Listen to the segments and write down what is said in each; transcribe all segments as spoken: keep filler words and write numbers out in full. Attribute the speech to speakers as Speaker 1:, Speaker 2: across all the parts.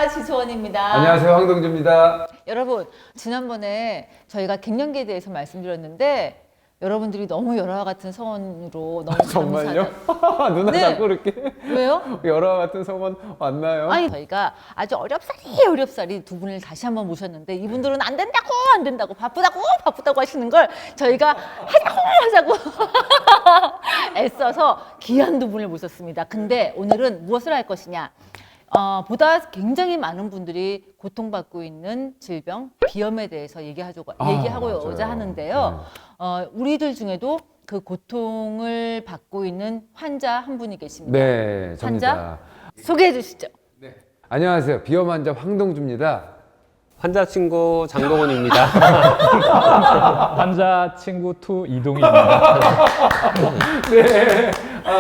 Speaker 1: 안녕하십니까, 지소원입니다.
Speaker 2: 안녕하세요, 황동주입니다.
Speaker 1: 여러분, 지난번에 저희가 갱년기에 대해서 말씀드렸는데 여러분들이 너무 열화와 같은 서원으로 너무
Speaker 2: 정말요?
Speaker 1: 감사하다.
Speaker 2: 누나
Speaker 1: 네.
Speaker 2: 자꾸 이렇게
Speaker 1: 왜요?
Speaker 2: 여러 같은 소문 왔나요?
Speaker 1: 아니, 저희가 아주 어렵사리 어렵사리 두 분을 다시 한번 모셨는데 이분들은 안 된다고 안 된다고 바쁘다고 바쁘다고 하시는 걸 저희가 하자고 하자고 애써서 귀한 두 분을 모셨습니다. 근데 오늘은 무엇을 할 것이냐? 어, 보다 굉장히 많은 분들이 고통받고 있는 질병, 비염에 대해서 얘기하자고,
Speaker 2: 아,
Speaker 1: 얘기하고자
Speaker 2: 맞아요.
Speaker 1: 하는데요.
Speaker 2: 네.
Speaker 1: 어, 우리들 중에도 그 고통을 받고 있는 환자 한 분이 계십니다.
Speaker 2: 네, 접니다.
Speaker 1: 환자? 소개해 주시죠.
Speaker 2: 안녕하세요, 비염 환자 황동주입니다.
Speaker 3: 환자 친구 장동원입니다.
Speaker 4: 환자 친구 투 이동희입니다.
Speaker 2: 네.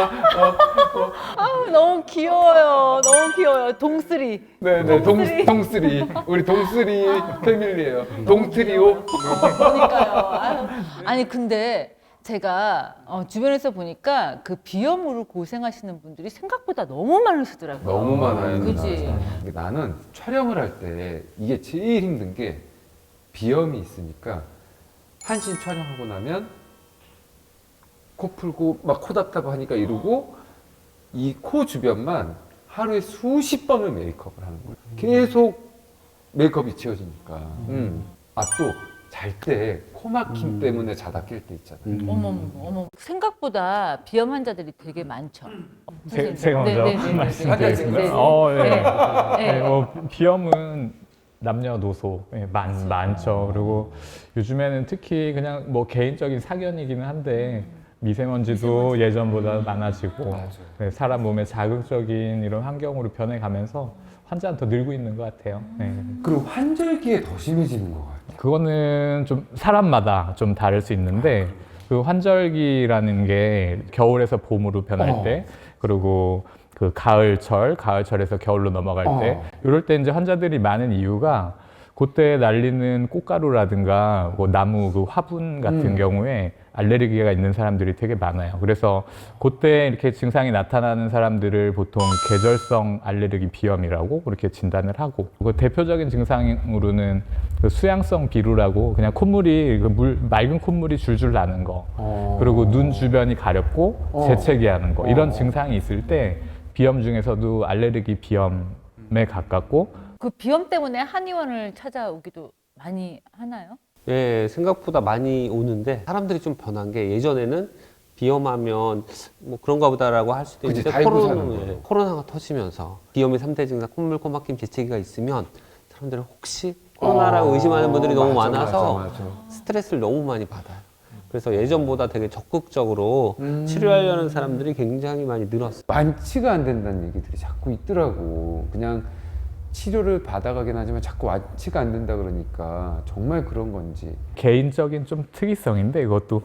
Speaker 1: 아, 너무 귀여워요. 너무 귀여워요. 동쓰리.
Speaker 2: 네, 네, 동,
Speaker 1: 동쓰리.
Speaker 2: 동쓰리. 우리 동쓰리 패밀리예요. 동트리오.
Speaker 1: 그러니까요. 아유. 아니 근데 제가 어, 주변에서 보니까 그 비염으로 고생하시는 분들이 생각보다 너무 많으시더라고요.
Speaker 2: 너무 많아요.
Speaker 1: 그지?
Speaker 2: 누나. 나는 촬영을 할 때 이게 제일 힘든 게 비염이 있으니까 한신 촬영하고 나면 코 풀고 막 코 답답하고 하니까 이러고 이 코 주변만 하루에 수십 번을 메이크업을 하는 거예요. 계속 메이크업이 지워지니까. 음. 아, 또 잘 때 코막힘 때문에 자다 깰 때 있잖아요.
Speaker 1: 어머 어머 생각보다 비염 환자들이 되게 많죠.
Speaker 4: 제, 제가 먼저
Speaker 1: 네, 네, 네, 네,
Speaker 4: 말씀드리겠습니다.
Speaker 1: 네, 네, 네.
Speaker 4: 어, 예.
Speaker 1: 네.
Speaker 4: 네, 뭐 비염은 남녀노소 예, 많, 많죠. 그리고 요즘에는 특히 그냥 뭐 개인적인 사견이기는 한데 미세먼지도 예전보다 많아지고 네, 사람 몸에 자극적인 이런 환경으로 변해가면서 환자는 더 늘고 있는 것 같아요. 네.
Speaker 2: 그리고 환절기에 더 심해지는 것 같아요.
Speaker 4: 그거는 좀 사람마다 좀 다를 수 있는데 그 환절기라는 게 겨울에서 봄으로 변할
Speaker 2: 어.
Speaker 4: 때 그리고 그 가을철, 가을철에서 겨울로 넘어갈 때
Speaker 2: 어.
Speaker 4: 이럴 때 이제 환자들이 많은 이유가 그때 날리는 꽃가루라든가 뭐 나무 그 화분 같은
Speaker 2: 음.
Speaker 4: 경우에 알레르기가 있는 사람들이 되게 많아요. 그래서 그때 이렇게 증상이 나타나는 사람들을 보통 계절성 알레르기 비염이라고 그렇게 진단을 하고 그 대표적인 증상으로는 그 수양성 비루라고 그냥 콧물이 그 물, 맑은 콧물이 줄줄 나는 거
Speaker 2: 어.
Speaker 4: 그리고 눈 주변이 가렵고
Speaker 2: 어.
Speaker 4: 재채기 하는 거 이런
Speaker 2: 어.
Speaker 4: 증상이 있을 때 비염 중에서도 알레르기 비염에 가깝고
Speaker 1: 그 비염 때문에 한의원을 찾아오기도 많이 하나요?
Speaker 3: 예, 생각보다 많이 오는데 사람들이 좀 변한 게 예전에는 비염하면 뭐 그런가 보다라고 할 수도
Speaker 2: 그치,
Speaker 3: 있는데
Speaker 2: 달고
Speaker 3: 코로나,
Speaker 2: 사는 거.
Speaker 3: 예, 코로나가 터지면서 비염의 삼 대 증상 콧물, 코막힘, 재채기가 있으면 사람들은 혹시 코로나라고
Speaker 2: 어.
Speaker 3: 의심하는 분들이 너무
Speaker 2: 맞아,
Speaker 3: 많아서
Speaker 2: 맞아, 맞아.
Speaker 3: 스트레스를 너무 많이 받아요. 그래서 예전보다 되게 적극적으로
Speaker 2: 음.
Speaker 3: 치료하려는 사람들이 굉장히 많이 늘었어요.
Speaker 2: 완치가 안 된다는 얘기들이 자꾸 있더라고. 그냥 치료를 받아가긴 하지만 자꾸 완치가 안 된다 그러니까 정말 그런 건지.
Speaker 4: 개인적인 좀 특이성인데 이것도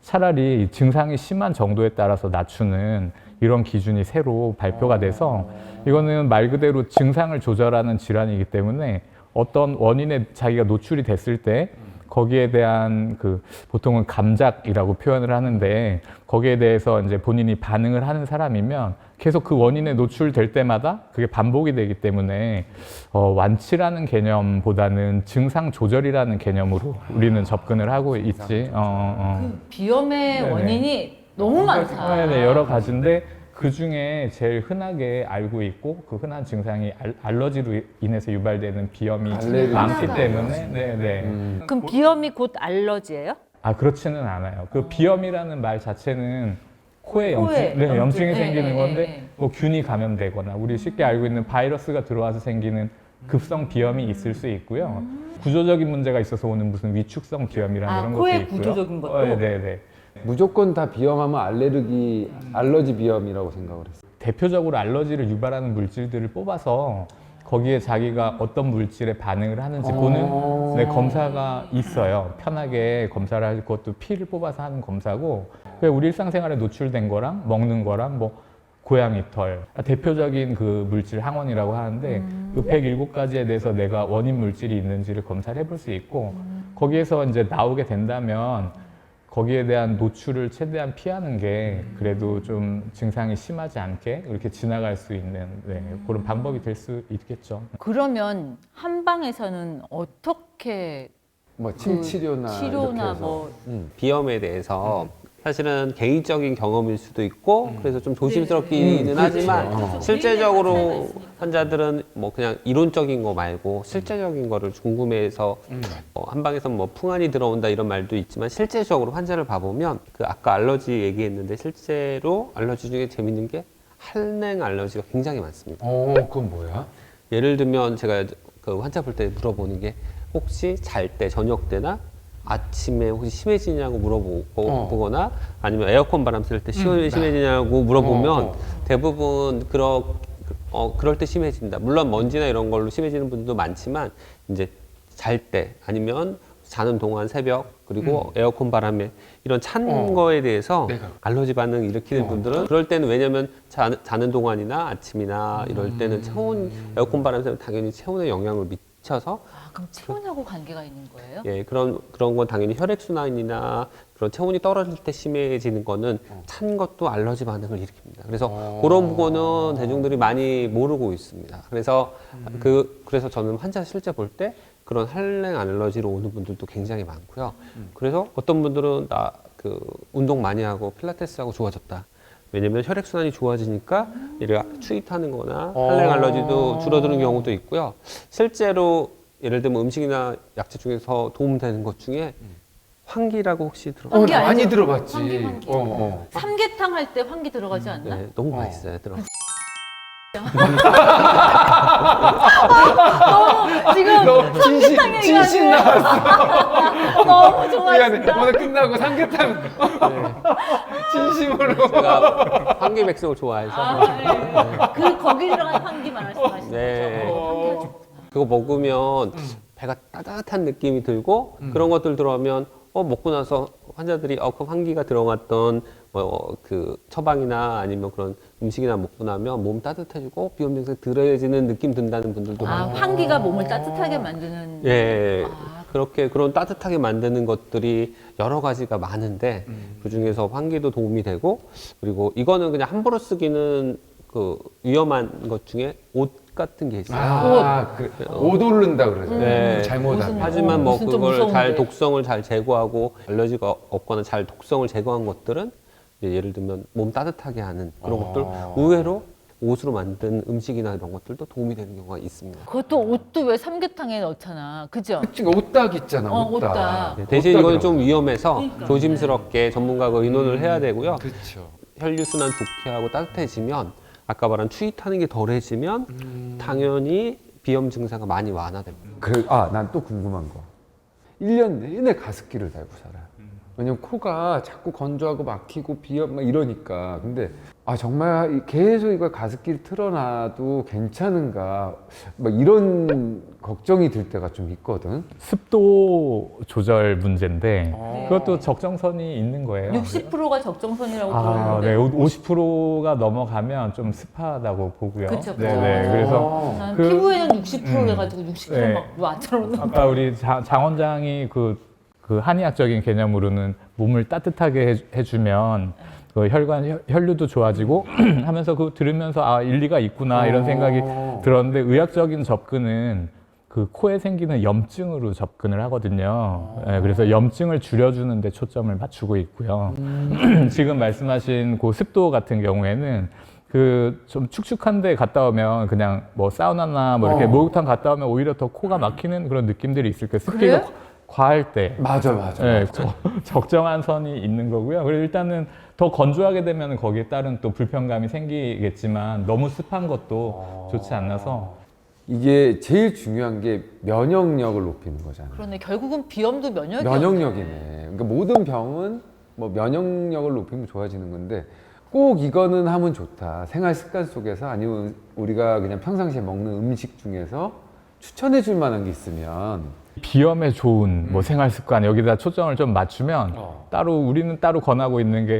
Speaker 4: 차라리 증상이 심한 정도에 따라서 낮추는 이런 기준이 새로 발표가 돼서 이거는 말 그대로 증상을 조절하는 질환이기 때문에 어떤 원인에 자기가 노출이 됐을 때 거기에 대한 그 보통은 감작이라고 표현을 하는데 거기에 대해서 이제 본인이 반응을 하는 사람이면 계속 그 원인에 노출될 때마다 그게 반복이 되기 때문에 어, 완치라는 개념보다는 증상 조절이라는 개념으로 우리는 접근을 하고 있지. 어, 어.
Speaker 1: 그 비염의
Speaker 4: 네네.
Speaker 1: 원인이 너무 많다.
Speaker 4: 네, 네, 여러 가지인데 그 중에 제일 흔하게 알고 있고 그 흔한 증상이 알, 알러지로 인해서 유발되는 비염이
Speaker 2: 알레르기.
Speaker 4: 많기
Speaker 1: 하나가
Speaker 4: 때문에 네, 네.
Speaker 2: 음.
Speaker 1: 그럼 비염이 곧 알러지예요?
Speaker 4: 아 그렇지는 않아요. 그 비염이라는 말 자체는 코에 염증,
Speaker 1: 코에
Speaker 4: 네,
Speaker 1: 염증.
Speaker 4: 염증이
Speaker 1: 네,
Speaker 4: 생기는
Speaker 1: 네,
Speaker 4: 건데
Speaker 1: 네, 네.
Speaker 4: 뭐 균이 감염되거나 우리 쉽게 알고 있는 바이러스가 들어와서 생기는 급성 비염이 있을 수 있고요. 구조적인 문제가 있어서 오는 무슨 위축성 비염이라는
Speaker 1: 아,
Speaker 4: 이런
Speaker 1: 코의
Speaker 4: 것도 있고요.
Speaker 1: 구조적인 것도?
Speaker 4: 어, 네, 네.
Speaker 2: 무조건 다 비염하면 알레르기, 알러지 비염이라고 생각을 했어요.
Speaker 4: 대표적으로 알러지를 유발하는 물질들을 뽑아서 거기에 자기가 어떤 물질에 반응을 하는지
Speaker 2: 어.
Speaker 4: 보는 네, 검사가 있어요. 편하게 검사를 할 것도 피를 뽑아서 하는 검사고 그게 우리 일상생활에 노출된 거랑 먹는 거랑 뭐 고양이 털 대표적인 그 물질 항원이라고 하는데
Speaker 1: 음.
Speaker 4: 그 백칠 가지에 대해서 내가 원인 물질이 있는지를 검사를 해볼 수 있고 거기에서 이제 나오게 된다면 거기에 대한 노출을 최대한 피하는 게 그래도 좀 증상이 심하지 않게 이렇게 지나갈 수 있는 네, 그런 방법이 될 수 있겠죠.
Speaker 1: 그러면 한방에서는 어떻게
Speaker 2: 뭐 침치료나
Speaker 1: 그 치료나
Speaker 2: 이렇게 해서.
Speaker 1: 뭐
Speaker 2: 음.
Speaker 3: 비염에 대해서 사실은 개인적인 경험일 수도 있고 그래서 좀 조심스럽기는
Speaker 2: 음,
Speaker 3: 하지만
Speaker 2: 그렇죠.
Speaker 3: 실제적으로 환자들은 뭐 그냥 이론적인 거 말고 실제적인 거를 궁금해해서 어, 한방에서 뭐 풍안이 들어온다 이런 말도 있지만 실제적으로 환자를 봐보면 그 아까 알러지 얘기했는데 실제로 알러지 중에 재밌는 게 한랭 알러지가 굉장히 많습니다.
Speaker 2: 어, 그건 뭐야?
Speaker 3: 예를 들면 제가 그 환자 볼 때 물어보는 게 혹시 잘 때 저녁 때나 아침에 혹시 심해지냐고 물어보거나
Speaker 2: 어.
Speaker 3: 아니면 에어컨 바람 쐴 때 심해지냐고 물어보면
Speaker 2: 어, 어.
Speaker 3: 대부분 그러, 어, 그럴 때 심해진다. 물론 먼지나 이런 걸로 심해지는 분들도 많지만 이제 잘 때 아니면 자는 동안 새벽 그리고 에어컨 바람에 이런 찬
Speaker 2: 어.
Speaker 3: 거에 대해서
Speaker 2: 내가.
Speaker 3: 알러지 반응 일으키는
Speaker 2: 어.
Speaker 3: 분들은 그럴 때는 왜냐면 자, 자는 동안이나 아침이나 이럴 때는 체온 에어컨 바람 쐬면 당연히 체온에 영향을 미쳐서
Speaker 1: 아, 그럼 체온하고 관계가 있는 거예요?
Speaker 3: 예, 그런, 그런 건 당연히 혈액순환이나 그런 체온이 떨어질 때 심해지는 거는 찬 것도 알러지 반응을 일으킵니다. 그래서
Speaker 2: 어.
Speaker 3: 그런 부분은 대중들이 많이 모르고 있습니다. 그래서 그, 그래서 저는 환자 실제 볼 때 그런 한랭 알러지로 오는 분들도 굉장히 많고요. 그래서 어떤 분들은 나 그 운동 많이 하고 필라테스 하고 좋아졌다. 왜냐면 혈액순환이 좋아지니까 이를 추위 타는 거나 한랭 알러지도 줄어드는 경우도 있고요. 실제로 예를 들면 음식이나 약재 중에서 도움되는 것 중에 환기라고 혹시 들어?
Speaker 2: 어,
Speaker 1: 환기
Speaker 2: 나 많이
Speaker 1: 알죠?
Speaker 2: 들어봤지.
Speaker 1: 환기, 환기.
Speaker 2: 어, 어.
Speaker 1: 삼계탕 할 때 환기 들어가지 않나?
Speaker 3: 네, 너무
Speaker 2: 어.
Speaker 3: 맛있어요. 들어.
Speaker 1: 너무 지금
Speaker 2: 너 진신,
Speaker 1: 삼계탕
Speaker 2: 진신
Speaker 1: 얘기하는데
Speaker 2: 나왔어.
Speaker 1: 너무
Speaker 2: 미안해.
Speaker 1: 좋아했다.
Speaker 2: 오늘 끝나고 삼계탕. 진심으로.
Speaker 3: 제가 환기 백숙을 좋아해서
Speaker 1: 아, 네. 그 거기 들어간 환기 말씀하시는
Speaker 3: 네.
Speaker 1: 거죠? 어, 환기가 좋구나.
Speaker 3: 그거 먹으면 배가 따뜻한 느낌이 들고 그런 것들 들어가면 어 먹고 나서 환자들이 어 그 환기가 들어갔던 뭐 그 처방이나 아니면 그런 음식이나 먹고 나면 몸 따뜻해지고 비염 증상 덜해지는 느낌 든다는 분들도
Speaker 1: 아,
Speaker 3: 많고
Speaker 1: 환기가 몸을 따뜻하게 만드는.
Speaker 3: 예
Speaker 1: 아,
Speaker 3: 그렇게 그런 따뜻하게 만드는 것들이 여러 가지가 많은데 그 중에서 환기도 도움이 되고 그리고 이거는 그냥 함부로 쓰기는 그 위험한 것 중에 옷 같은 게 있어요.
Speaker 2: 아, 그, 옷 오른다 그러죠.
Speaker 3: 네.
Speaker 2: 잘못하면.
Speaker 1: 무슨-
Speaker 3: 하지만
Speaker 1: 어,
Speaker 3: 뭐
Speaker 1: 무슨 좀
Speaker 3: 그걸 잘
Speaker 1: 무서운데.
Speaker 3: 독성을 잘 제거하고 알러지가 없거나 잘 독성을 제거한 것들은 이제 예를 들면 몸 따뜻하게 하는 그런
Speaker 2: 어.
Speaker 3: 것들 의외로 옷으로 만든 음식이나 이런 것들도 도움이 되는 경우가 있습니다.
Speaker 1: 그것도 옷도 왜 삼계탕에 넣잖아. 그죠?
Speaker 2: 그치, 옷딱 있잖아,
Speaker 1: 어,
Speaker 2: 옷딱.
Speaker 1: 옷딱.
Speaker 3: 네, 대신 이거는 좀
Speaker 2: 옷딱이라고.
Speaker 3: 위험해서
Speaker 1: 그러니까.
Speaker 3: 조심스럽게 전문가가 의논을 해야 되고요.
Speaker 2: 그렇죠.
Speaker 3: 혈류순환 좋게 하고 따뜻해지면 아까 말한 추위 타는 게 덜해지면 당연히 비염 증상가 많이 완화됩니다.
Speaker 2: 그, 아, 난 또 궁금한 거. 일 년 내내 가습기를 달고 살아. 왜냐면 코가 자꾸 건조하고 막히고 비염 막 이러니까. 근데 아 정말 이- 계속 이걸 가습기를 틀어놔도 괜찮은가 막 이런 걱정이 들 때가 좀 있거든.
Speaker 4: 습도 조절 문제인데
Speaker 2: 어.
Speaker 4: 그것도 적정선이 있는 거예요.
Speaker 1: 육십 퍼센트가 적정선이라고
Speaker 4: 아,
Speaker 1: 그러는데.
Speaker 4: 네, 오십 퍼센트가 넘어가면 좀 습하다고 보고요.
Speaker 1: 그쵸, 그쵸.
Speaker 4: 네, 네. 그래서
Speaker 2: 어.
Speaker 1: 난
Speaker 4: 그-
Speaker 1: 피부에는 육십 퍼센트
Speaker 4: 음.
Speaker 1: 해가지고 육십 퍼센트
Speaker 4: 네.
Speaker 1: 막 와처럼.
Speaker 4: 아까 우리 자- 장 원장이 그, 그 한의학적인 개념으로는 몸을 따뜻하게 해, 해주면 그 혈관 혈- 혈류도 좋아지고 하면서 그 들으면서 아 일리가 있구나 이런 생각이
Speaker 2: 어.
Speaker 4: 들었는데 의학적인 접근은 그 코에 생기는 염증으로 접근을 하거든요. 예, 그래서 염증을 줄여주는 데 초점을 맞추고 있고요. 지금 말씀하신 그 습도 같은 경우에는 그 좀 축축한 데 갔다 오면 그냥 뭐 사우나나 뭐 이렇게
Speaker 2: 어.
Speaker 4: 목욕탕 갔다 오면 오히려 더 코가 막히는 그런 느낌들이 있을 거예요. 습기가
Speaker 1: 그래요?
Speaker 4: 과할 때.
Speaker 2: 맞아, 맞아.
Speaker 4: 네,
Speaker 2: 맞아.
Speaker 4: 저- 적정한 선이 있는 거고요. 그리고 일단은 더 건조하게 되면 거기에 따른 또 불편감이 생기겠지만 너무 습한 것도 좋지 않아서
Speaker 2: 이게 제일 중요한 게 면역력을 높이는 거잖아.
Speaker 1: 그러네. 결국은 비염도 면역이
Speaker 2: 면역력이네. 그러니까 모든 병은 뭐 면역력을 높이면 좋아지는 건데 꼭 이거는 하면 좋다. 생활 습관 속에서 아니면 우리가 그냥 평상시에 먹는 음식 중에서 추천해 줄 만한 게 있으면
Speaker 4: 비염에 좋은 뭐 생활 습관 여기다 초점을 좀 맞추면
Speaker 2: 어.
Speaker 4: 따로 우리는 따로 권하고 있는 게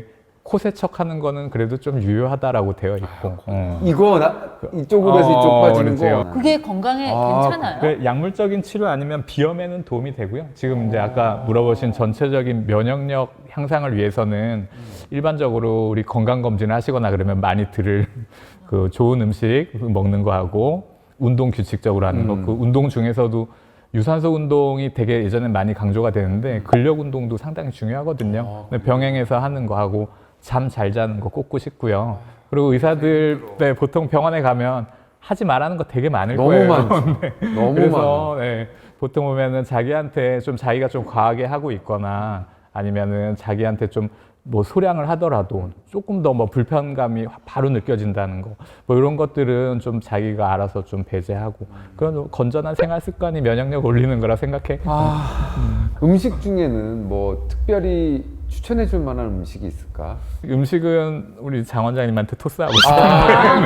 Speaker 4: 코 세척하는 거는 그래도 좀 유효하다라고 되어 있고. 어.
Speaker 2: 이거 나 이쪽으로 해서 이쪽
Speaker 4: 어,
Speaker 2: 빠지는
Speaker 4: 그렇죠.
Speaker 2: 거.
Speaker 1: 그게 건강에
Speaker 2: 아,
Speaker 1: 괜찮아요?
Speaker 4: 그 약물적인 치료 아니면 비염에는 도움이 되고요. 지금 이제 아까 물어보신 전체적인 면역력 향상을 위해서는 일반적으로 우리 건강 검진을 하시거나 그러면 많이 들을 그 좋은 음식 먹는 거 하고 운동 규칙적으로 하는 거.
Speaker 2: 음.
Speaker 4: 그 운동 중에서도 유산소 운동이 되게 예전에 많이 강조가 되는데 근력 운동도 상당히 중요하거든요. 근데 병행해서 하는 거 하고 잠 잘 자는 거 꼭 꾸시고요. 그리고 의사들 네, 보통 병원에 가면 하지 말라는 거 되게 많을
Speaker 2: 너무
Speaker 4: 거예요.
Speaker 2: 많죠.
Speaker 4: 네.
Speaker 2: 너무
Speaker 4: 그래서 네, 보통 보면은 자기한테 좀 자기가 좀 과하게 하고 있거나 아니면은 자기한테 좀 뭐 소량을 하더라도 조금 더 뭐 불편감이 바로 느껴진다는 거, 뭐 이런 것들은 좀 자기가 알아서 좀 배제하고 그런 건전한 생활 습관이 면역력 올리는 거라 생각해.
Speaker 2: 아, 음식 중에는 뭐 특별히 추천해 줄 만한 음식이 있을까?
Speaker 4: 음식은 우리 장 원장님한테 토스하고
Speaker 2: 아,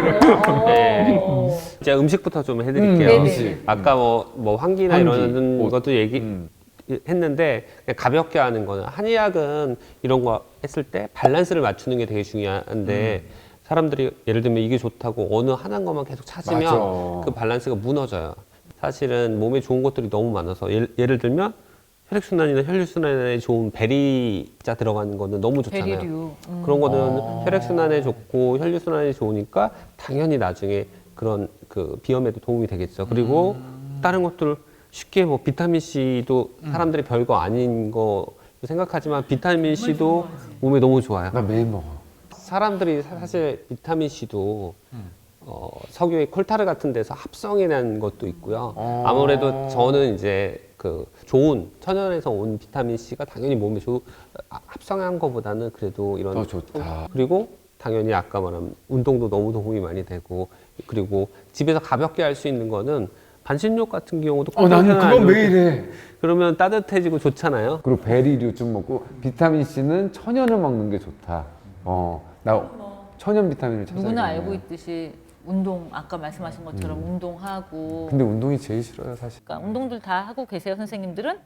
Speaker 3: 네. 제가 음식부터 좀 해드릴게요.
Speaker 2: 음,
Speaker 1: 음식.
Speaker 3: 아까 뭐, 뭐 환기나
Speaker 2: 환기,
Speaker 3: 이런
Speaker 2: 옷.
Speaker 3: 것도 얘기
Speaker 2: 음.
Speaker 3: 했는데 그냥 가볍게 하는 거는 한의학은 이런 거 했을 때 밸런스를 맞추는 게 되게 중요한데
Speaker 2: 음.
Speaker 3: 사람들이 예를 들면 이게 좋다고 어느 하나인 것만 계속 찾으면
Speaker 2: 맞아.
Speaker 3: 그 밸런스가 무너져요. 사실은 몸에 좋은 것들이 너무 많아서 예를, 예를 들면 혈액순환이나 혈류순환에 좋은 베리자 들어가는 거는 너무 좋잖아요.
Speaker 1: 베리류. 음.
Speaker 3: 그런 거는
Speaker 2: 아.
Speaker 3: 혈액순환에 좋고 혈류순환에 좋으니까 당연히 나중에 그런 그 비염에도 도움이 되겠죠. 그리고
Speaker 2: 음.
Speaker 3: 다른 것들 쉽게 뭐 비타민 C도 사람들이 별거 아닌 거 생각하지만 비타민 C도 몸에 너무 좋아요.
Speaker 2: 나 매일 먹어.
Speaker 3: 사람들이 사실 비타민 C도 어, 석유의 콜타르 같은 데서 합성해 낸 것도 있고요.
Speaker 2: 어.
Speaker 3: 아무래도 저는 이제 그 좋은 천연에서 온 비타민 C가 당연히 몸에 좋 아, 합성한 것보다는 그래도 이런
Speaker 2: 더 좋다.
Speaker 3: 그리고 당연히 아까 말한 운동도 너무 도움이 많이 되고 그리고 집에서 가볍게 할 수 있는 거는 반신욕 같은 경우도
Speaker 2: 어, 나는
Speaker 3: 꼭
Speaker 2: 그건
Speaker 3: 하잖아요.
Speaker 2: 매일 해.
Speaker 3: 그러면 따뜻해지고 좋잖아요.
Speaker 2: 그리고 베리류 좀 먹고 비타민 C는 천연을 먹는 게 좋다. 어, 나 천연 비타민을 찾아야
Speaker 1: 누구나 알고 있듯이 운동 아까 말씀하신 것처럼
Speaker 2: 음.
Speaker 1: 운동하고
Speaker 2: 근데 운동이 제일 싫어요, 사실.
Speaker 1: 그러니까 운동들 다 하고 계세요 선생님들은?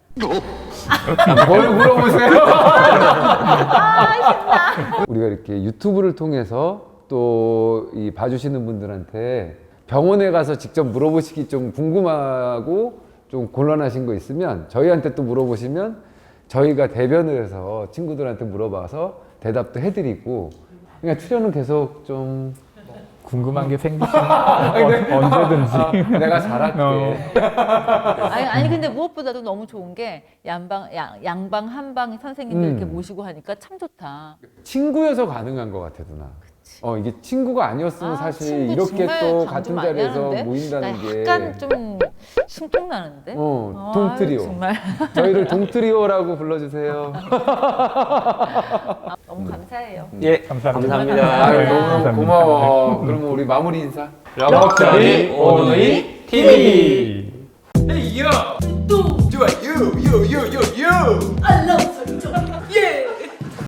Speaker 2: 뭘 물어보세요? 우리가 이렇게 유튜브를 통해서 또 이 봐주시는 분들한테 병원에 가서 직접 물어보시기 좀 궁금하고 좀 곤란하신 거 있으면 저희한테 또 물어보시면 저희가 대변을 해서 친구들한테 물어봐서 대답도 해드리고 그러니까 출연은 계속 좀
Speaker 4: 궁금한 게 생기시면 어, 언제든지.
Speaker 2: 내가 잘할게.
Speaker 4: 어.
Speaker 1: 아니, 아니 근데 무엇보다도 너무 좋은 게 양방 양, 양방 한방 선생님들
Speaker 2: 음.
Speaker 1: 이렇게 모시고 하니까 참 좋다.
Speaker 2: 친구여서 가능한 것 같아 누나. 어 이게 친구가 아니었으면
Speaker 1: 아,
Speaker 2: 사실
Speaker 1: 친구
Speaker 2: 이렇게
Speaker 1: 정말
Speaker 2: 또
Speaker 1: 강조
Speaker 2: 같은
Speaker 1: 많이
Speaker 2: 자리에서
Speaker 1: 하는데?
Speaker 2: 모인다는
Speaker 1: 나
Speaker 2: 게
Speaker 1: 약간 좀 심통 나는데.
Speaker 2: 어,
Speaker 1: 아유,
Speaker 2: 동트리오.
Speaker 1: 정말
Speaker 2: 저희를 동트리오라고 불러주세요.
Speaker 1: 아, 너무 감사해요.
Speaker 3: 예,
Speaker 4: 감사합니다.
Speaker 3: 감사합니다.
Speaker 2: 아유,
Speaker 1: 네.
Speaker 2: 너무
Speaker 4: 감사합니다.
Speaker 2: 고마워. 그러면 우리 마무리 인사.
Speaker 3: 럭셔리 오누이 티비.
Speaker 2: Hey yo, do do a you you you you you.
Speaker 1: I love